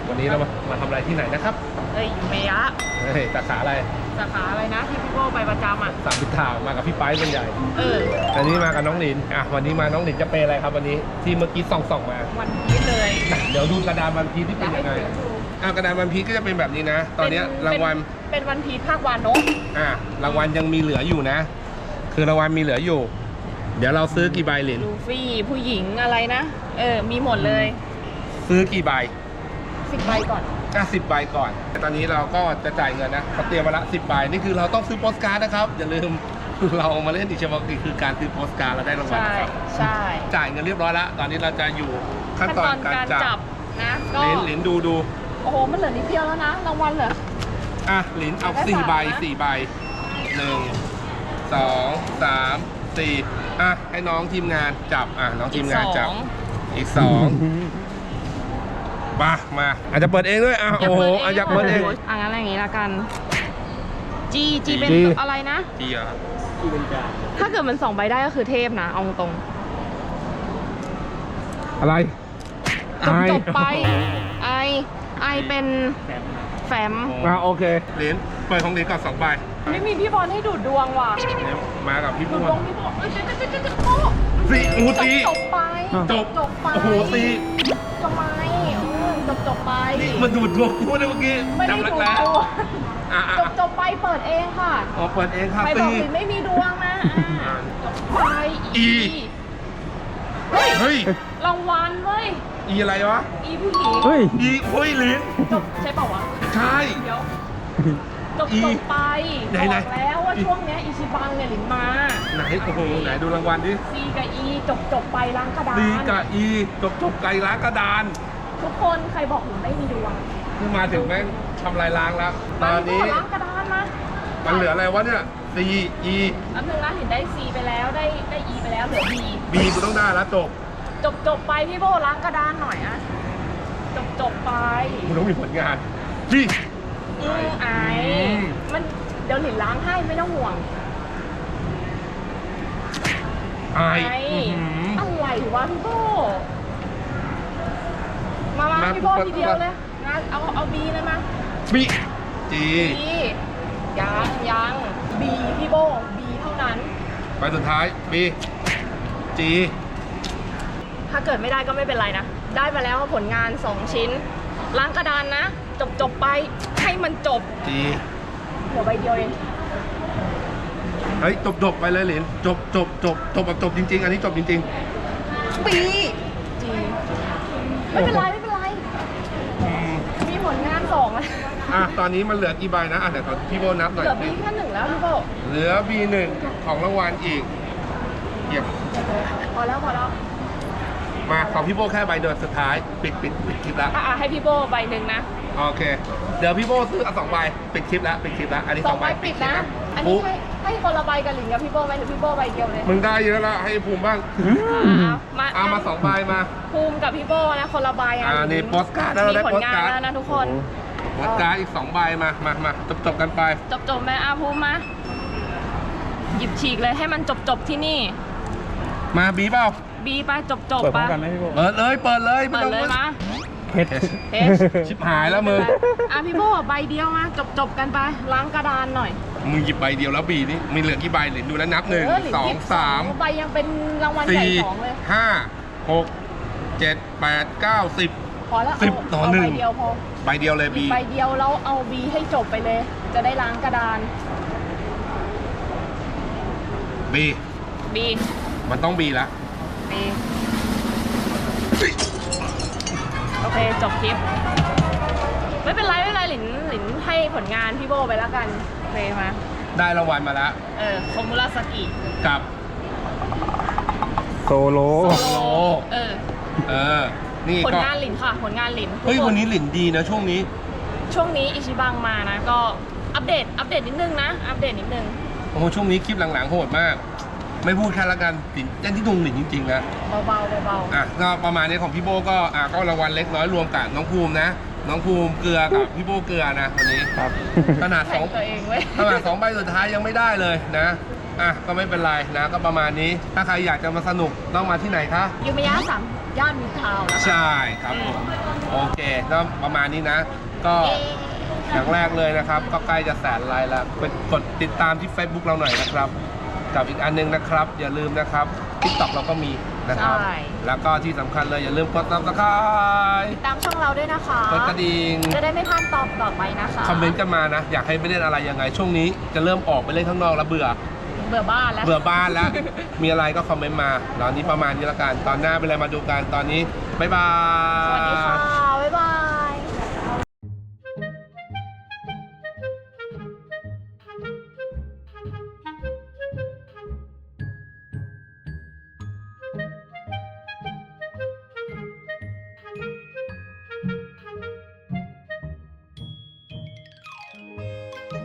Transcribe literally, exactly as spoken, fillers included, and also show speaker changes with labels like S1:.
S1: วันนี้เรามามาทำอะไรที่ไหนนะครับ
S2: เอ้ยเมยะ
S1: เฮ้ยสาขาอะไร
S2: สาขาอะไรนะที่พี่โก้ไปประจำอ่ะ
S1: สามพิทางมากับพี่ไปร์เป็นใหญ่
S2: เออ
S1: อันนี้มากับน้องหลินอ่ะวันนี้มาน้องหลินจะเป็นอะไรครับวันนี้ที่เมื่อกี้ส่องส่องๆมา
S2: วันพีชเลย
S1: เดี๋ยวดูกระดานวันพีชที่เป็นยังไงอ่ะกระดานวันพีชก็จะเป็นแบบนี้นะ ตอนเนี้ยรางวัล
S2: เป็นวันพีชภาควานก
S1: อ่ะรางวัลยังมีเหลืออยู่นะ คือรางวัลมีเหลืออยู่ เดี๋ยวเราซื้อกี่ใบหลิน
S2: ลูฟี่ผู้หญิงอะไรนะ เออ มีหมดเลย
S1: ซื้อกี่ใบ
S2: สิบใบก่อน
S1: อ่ะสิบใบก่อนตอนนี้เราก็จะจ่ายเงินนะเขาเตรียมมาละสิบใบนี่คือเราต้องซื้อโปสการ์ดนะครับอย่าลืม เรามาเล่นอิเชบังกีคือการซื้อโปสการ์ดแล้วได้รางวัล
S2: ใช่
S1: นะครับ
S2: ใช่
S1: จ่ายเงินเรียบร้อยแล้วตอนนี้เราจะอยู่ขั้น
S2: ขั้น
S1: ต
S2: ต
S1: อ
S2: อน น
S1: การ
S2: การ
S1: จั
S2: จั
S1: บบ
S2: นะก็
S1: หลินหลินดูดู
S2: โอ้โหมันเหลือนิดเดียวแล้วนะรางวัลเหรอ
S1: อ่ะหลินเอา
S2: ได้
S1: สี่
S2: สาม
S1: ใบ
S2: นะ
S1: สี่ใบหนึ่งสองสามสี่อ่ะให้น้องทีมงานจับอ่ะน้องทีมงานจับ อีกสองมามาอาจจะเปิดเองด้วยอ่ะโอ้โหอาจจะเปิดเอง
S2: อ่ะงั้นอย่างงี้ละกัน จีจีเป็น
S1: จี
S2: อะไรนะ
S1: ดีอ่ะ
S2: ถ้าเกิดมันสองใบได้ก็คือเทพนะเอาตรง
S1: อะไร
S2: จบจบไปไอไอเป็นแฟม
S1: อ่ะโอเคเหรียญเปิดของเหรียญก่อนสองใบ
S2: ไม่มีพี่บอลให้ดูดดวงว่ะ
S1: เนี่ยมากับพี่
S2: ดู
S1: พู
S2: ด
S1: ด
S2: ดวงพี่บอลเอ้ยเจ๊เจ๊เจ๊เจ๊โอ้
S1: สี่โอ้โห
S2: จ
S1: ตี
S2: บจบไป
S1: จบ
S2: จบไป
S1: โอ้โหตี
S2: ทำไมเออจบจบไป
S1: นี่มันดูดดวงพูดได้เมื่อกี้
S2: ไม่ได้
S1: จำรั
S2: ดู
S1: ก
S2: ด
S1: แล้ว
S2: ดวง
S1: อ่ะอ่ะ
S2: จบจบไปเปิดเองค่ะ
S1: อ๋อเปิดเองค่ะ
S2: ไม่บ
S1: ตี
S2: อกสิไม่มีดวงนะอ่ะจบไป
S1: อี
S2: เฮ้ย
S1: เฮ้ย
S2: รางวัลเว้ย
S1: อีอะไรวะ
S2: อีผู้หญิง
S3: เฮ้ย
S1: อีเฮ้ยเหรียญ
S2: จบใช่เปล่าวะ
S1: ใช่
S2: เดี๋ยวจบ
S1: อี
S2: จบไป
S1: ไหน
S2: บ
S1: ไหน
S2: อกแล้วว่าช่วงเนี้ยอิชิบังเนี่ยหลินมา
S1: ไหนโอ้โหไหนดูรางวัลดิ
S2: ซีกับอีจบจบไปล้างกระดาน
S1: ดีกับอีจบจบไก่ล้างกระดาน
S2: ทุกคนใครบอกหลินไม่มีดวง
S1: นี่มาถึงแม่งทำลายล้างแล้ว ตอนนี้
S2: มาล้างกระดานมา
S1: มันเหลืออะไรวะเนี่ย C E
S2: อันนึงนะหลินได้ซีไปแล้วได้ได้อีไปแล้วเหลือบี
S1: B กูต้องได้แล้วจบ
S2: จบจบไปพี่โบล้างกระดานหน่อยอะจบจบไป
S1: กูต้องมีผลงานพี่
S2: อืมไอ
S1: อืม
S2: มันเดี๋ยวหลินล้างให้ไม่ต้องห่วง
S1: ไอ
S2: ไอ
S1: อื้อหือ
S2: อะไรวะพี่โบมามา
S1: มา
S2: พี่โบ
S1: ปุ๊บ
S2: ทีเดียวเลยนะเอาเอาบีเลยมา
S1: B G
S2: บียังยังบีพี่โบบีเท่านั้น
S1: ไปสุดท้าย B G
S2: ถ้าเกิดไม่ได้ก็ไม่เป็นไรนะ ได้มาแล้วผลงานสองชิ้น ล้างกระดานนะ จบจบไปให้มันจบ
S1: G
S2: เหลือใบเดียวเอง
S1: เฮ้ยจบจบไปเลยเหรียญจบจบจบจบแบบจบจริง ๆ อันนี้จบจริง
S2: บีจีไม่เป็นไรไม่เป็นไร
S1: ๆอืม
S2: มีผลงานสองแล้ว
S1: อ่ะตอนนี้มันเหลือกี่ใบนะอ่ะเดี๋ยวขอพี่โบนับหน่อย
S2: เหลือบีแค่หนึ่งแล้วพี่โบ
S1: เหลือ B หนึ่งของรางวัลอีกเยี่ยม
S2: พอแล้วพอแล้ว
S1: มาของพี่โบแค่ใบเดียวสุดท้ายปิดปิดปิดคลิปแล้ว
S2: อ่ะอ่ะให้พี่โบใบหนึ่งนะ
S1: โอเค เดี๋ยวพี่โบซื้อเอาสองใบปิดคลิปแล้วปิดคลิปแล้วอันนี้
S2: ส
S1: ส
S2: อ
S1: อง ง
S2: ใบ
S1: ใบ
S2: ปิด
S1: คลิ
S2: นะ
S1: ป
S2: อัน
S1: ปุ๊
S2: นี้ให้ให้คนละใบกับหลิงกับพี่โบไหมหรือพี่โบใบเดียวเลย
S1: มึงได้เยอะแล้วให้ภูมิบ้าง
S2: อ่ะมา
S1: เอามาสองใบมา
S2: ภูมิกับพี่โบนะคนละใบอ่ะ
S1: อ่านี่โปสการ์ดแล้วเราได้
S2: มีผลงาน
S1: โปสการ์ด
S2: แล้วนะทุกคน
S1: โปสการ์ดอีกสองใบมามามาจบจบกันไป
S2: จบจบไหมอาภูมิมาหยิบฉีกเลยให้มันจบจบที่นี่
S1: มาบีเปล่า
S2: บีไปจบจบ
S3: เปิดพร้อ
S2: ไป
S3: มกันไหมพี่โบ
S1: เปิดเลยเปิดเลยไม่
S2: เปิด
S1: ต้อง
S2: เลยมา
S3: เพชร
S2: เทส
S1: ชิบหายแล้วมึง
S2: อ่ะพี่โบใบเดียวมาจบจบกันไปล้างกระดานหน่อย
S1: มึงหยิบใบเดียวแล้วบีนี่มีเหลือกี่ใบเหรียญดูแล้วนับหนึ่ง
S2: เหรือ
S1: สอง
S2: หยิบ
S1: สาม
S2: ใบยังเป็นรางวัลใหญ่
S1: สี่
S2: สองเลย
S1: ห้าหกเจ็ดแปดเก้าสิบ
S2: พอแล้ว
S1: สิบ
S2: เอา
S1: ต่อ
S2: เอา
S1: หนึ่ง
S2: ใบเดียวพอ
S1: ใบเดียวเลย
S2: หยิ
S1: บี
S2: บใบเดียวแล้วเอาบีให้จบไปเลย จะได้ล้างกระดาน
S1: บี
S2: บี
S1: มันต้องบีละ
S2: บีโอเคจบคลิป ไม่เป็นไรไม่เป็นไรหลินหลินให้ผลงานพี่โบไปแล้วกันโอเคมา
S1: ได้รางวัลมาแล้ว
S2: เออโคมุราสกิ
S1: กับ
S3: โซโล
S2: โซโลเออ
S1: เออนี่
S2: ผล
S1: ก็
S2: งานหลินค่ะ ผลงานหลินทุก
S1: เฮ้ย
S2: ค
S1: วันนี้หลินดีนะช่วงนี้
S2: ช่วงนี้อิชิบังมานะ ก็อัปเดต อัปเดตนิดนึงนะ อัปเดตนิดนึง
S1: โอ้โหช่วงนี้คลิปหลังๆโหดมาก ไม่พูดแค่ละกันหลินเจ้นที่ดุงหลินจริงๆนะ
S2: เบาๆเบา
S1: อ่ะก็ประมาณนี้ของพี่โบก็อ่ะก็รางวัลเล็กน้อยรวมกับน้องภูมินะ น้องภูมิเกลือกับพี่โบเกลือนะวันนี้
S3: ครับ
S1: ขนาด
S2: ๆ
S1: สอง
S2: แข่งตัวเองเว้ย
S1: ขนาดสองใบสุดท้ายยังไม่ได้เลยนะอ่ะก็ไม่เป็นไรนะก็ประมาณนี้ ถ้าใครอยากจะมาสนุกต้องมาที่ไหนคะ
S2: ยูมิยะสามย่านมิตรทาวน์นะคะ
S1: ใช่ครับผมโอเคก็ประมาณนี้นะ ก็
S2: เอ๊ะ
S1: อย่างแรกเลยนะครับ ก็ใกล้จะแสนไลค์แล้วไปกดติดตามที่ Facebook เราหน่อยนะครับ กับอีกอันนึงนะครับ อย่าลืมนะครับ TikTok เราก็มีนะครับ
S2: ใช่
S1: แล้วก็ที่สำคัญเลยอย่าลืมกด Subscribe
S2: ตามช่องเราด้วยนะคะ
S1: กดกระดิ่ง
S2: จะได้ไม่พลาดตอบต่อไปนะคะ
S1: คอมเมนต์กันมานะ อยากให้ไปเล่นอะไรยังไง ช่วงนี้จะเริ่มออกไปเล่นข้างนอกแล้วเบื่อ
S2: เบื่อบ้านแล้ว
S1: เบื่อบ้านแล้ว มีอะไรก็คอมเมนต์มาตอนนี้ประมาณนี้ละกัน ตอนหน้าเป็นอะไรมาดูกัน ตอนนี้ บ๊ายบาย
S2: สวัสดีค่ะ